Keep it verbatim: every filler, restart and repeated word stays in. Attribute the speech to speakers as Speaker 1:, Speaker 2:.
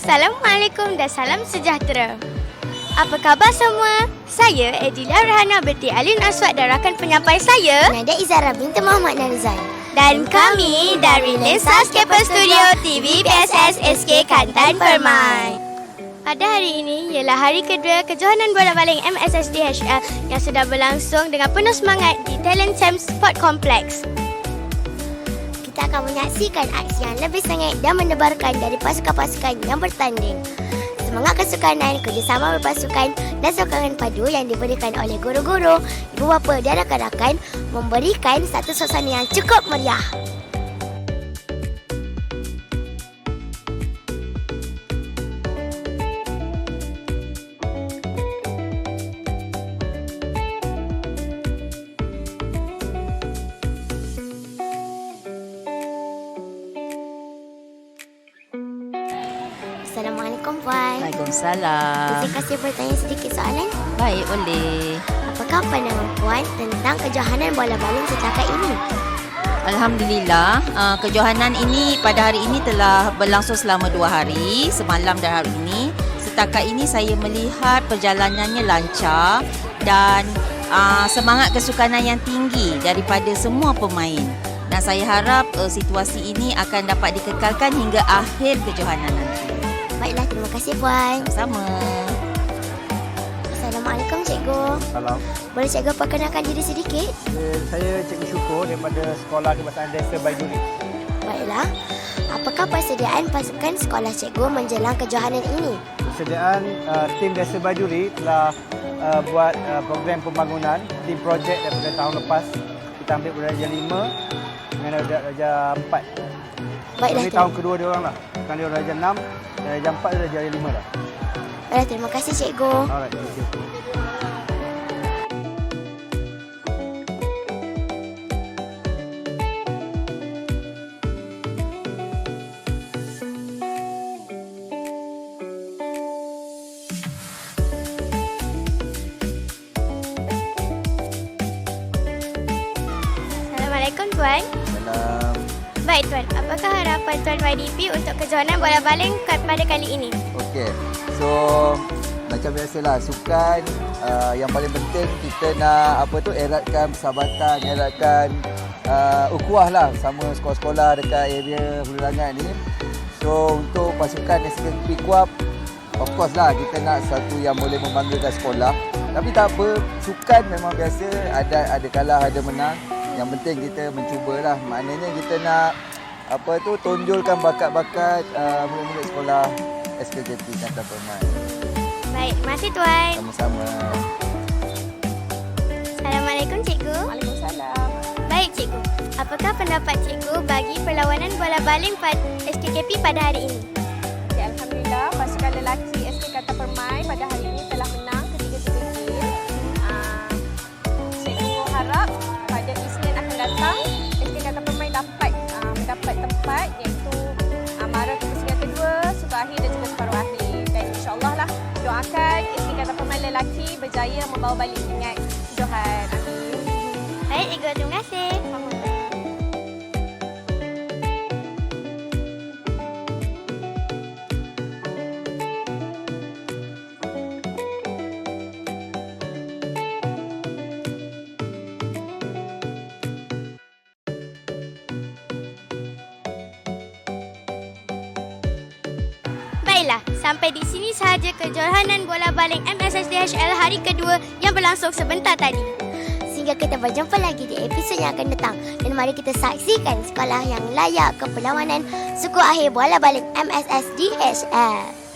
Speaker 1: Assalamualaikum dan salam sejahtera. Apa khabar semua? Saya Edilia Rahana binti Alin Aswad dan rakan penyampai saya
Speaker 2: Nada Izara binti Muhammad Narizal.
Speaker 1: dan kami dari Lensa Skipper Studio T V P S S S K Kantan Permai. Pada hari ini ialah hari kedua kejohanan bola baling M S S D H L yang sudah berlangsung dengan penuh semangat di Talent Champ Sport Complex.
Speaker 2: Kita akan menyaksikan aksi yang lebih sengit dan mendebarkan dari pasukan-pasukan yang bertanding. Semangat kesukanan, kerjasama berpasukan dan sokongan padu yang diberikan oleh guru-guru, ibu bapa dan rakan-rakan memberikan satu suasana yang cukup meriah. Assalamualaikum Puan.
Speaker 3: Waalaikumsalam.
Speaker 2: Izin kasih bertanya sedikit soalan.
Speaker 3: Baik, boleh.
Speaker 2: Apakah pandangan Puan tentang kejohanan bola baling setakat ini?
Speaker 3: Alhamdulillah, uh, kejohanan ini pada hari ini telah berlangsung selama dua hari, semalam dan hari ini. Setakat ini saya melihat perjalanannya lancar dan uh, semangat kesukanan yang tinggi daripada semua pemain. Dan saya harap uh, situasi ini akan dapat dikekalkan hingga akhir kejohanan nanti.
Speaker 2: Baiklah, terima kasih Puan.
Speaker 3: Sama.
Speaker 2: Assalamualaikum Cikgu.
Speaker 4: Salam.
Speaker 2: Boleh Cikgu perkenalkan diri sedikit?
Speaker 4: Eh, Saya Cikgu Syukur daripada Sekolah Kebangsaan Desa Baiduri.
Speaker 2: Baiklah. Apakah persediaan pasukan sekolah Cikgu menjelang kejohanan ini?
Speaker 4: Persediaan uh, tim Desa Baiduri telah uh, buat uh, program pembangunan tim projek daripada tahun lepas. Kita ambil darjah lima dengan darjah empat.
Speaker 2: Baiklah.
Speaker 4: Ini tahun kedua dia orang lah. Sekarang dia darjah enam, darjah empat dan darjah lima dah.
Speaker 2: Baiklah, terima kasih Cikgu.
Speaker 4: Alright, thank you.
Speaker 1: Assalamualaikum Tuan.
Speaker 4: Salam.
Speaker 1: Baik Tuan, apakah harapan Tuan Y D P untuk kejohanan bola baling pada kali ini?
Speaker 5: Okey. So macam biasalah sukan uh, yang paling penting kita nak apa tu eratkan persahabatan, eratkan uh, ukhuwah lah sama sekolah-sekolah dekat area Hulu Langat ni. So untuk pasukan S K P Kuap, of course lah kita nak satu yang boleh membanggakan sekolah. Tapi tak apa, sukan memang biasa, ada ada kalah, ada menang. Yang penting kita mencubalah. Maknanya kita nak apa tu tonjolkan bakat-bakat uh, murid-murid sekolah S K J P Kantan Permai.
Speaker 1: Baik, terima kasih Tuan.
Speaker 5: Sama-sama.
Speaker 1: Assalamualaikum Cikgu.
Speaker 6: Waalaikumsalam.
Speaker 1: Baik Cikgu, apakah pendapat Cikgu bagi perlawanan bola baling pada S K K P pada hari ini?
Speaker 6: Okay, Alhamdulillah, pasukan lelaki S K Kantan Permai pada hari ini telah menang ketiga-tiga game. Uh, Cikgu harap pada Isnin akan datang S K Kantan Permai dapat uh, mendapat tempat iaitu uh, mara ke pusingan kedua, suku akhir dan juga separuh akhir. Dan insyaAllah lah doakan S K Kantan Permai lelaki berjaya membawa balik pingat Johan. Amin.
Speaker 1: Baik Cikgu, terima kasih. Baiklah, sampai di sini sahaja kejohanan bola baling M S S D H L hari kedua yang berlangsung sebentar tadi.
Speaker 2: Sehingga kita berjumpa lagi di episod yang akan datang. Dan mari kita saksikan sekolah yang layak ke perlawanan suku akhir bola baling M S S D H L.